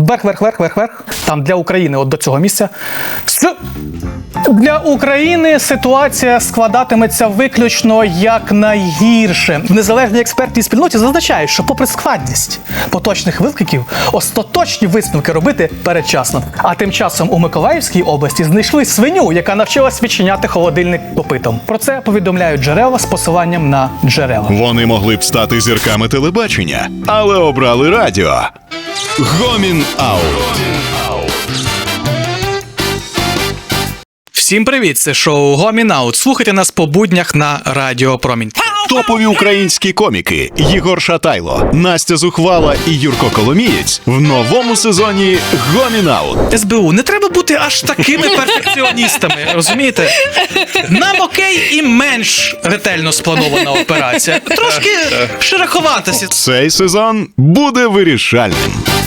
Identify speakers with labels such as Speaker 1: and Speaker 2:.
Speaker 1: Вверх. Там для України, от до цього місця. Для України ситуація складатиметься виключно як найгірше. В незалежній експертній спільноті зазначають, що попри складність поточних викликів, остаточні висновки робити передчасно. А тим часом у Миколаївській області знайшли свиню, яка навчилась відчиняти холодильник копитом. Про це повідомляють джерела з посиланням на джерела.
Speaker 2: Вони могли б стати зірками телебачення, але обрали радіо. Гомін Аут.
Speaker 1: Всім привіт, це шоу Гомін Аут. Слухайте нас по буднях на Радіо Промінь.
Speaker 2: Топові українські коміки Єгор Шатайло, Настя Зухвала і Юрко Коломієць в новому сезоні Гомін Аут.
Speaker 1: СБУ, не треба бути аж такими перфекціоністами, розумієте? Нам окей і менш ретельно спланована операція. Трошки шероховатися.
Speaker 2: Цей сезон буде вирішальним.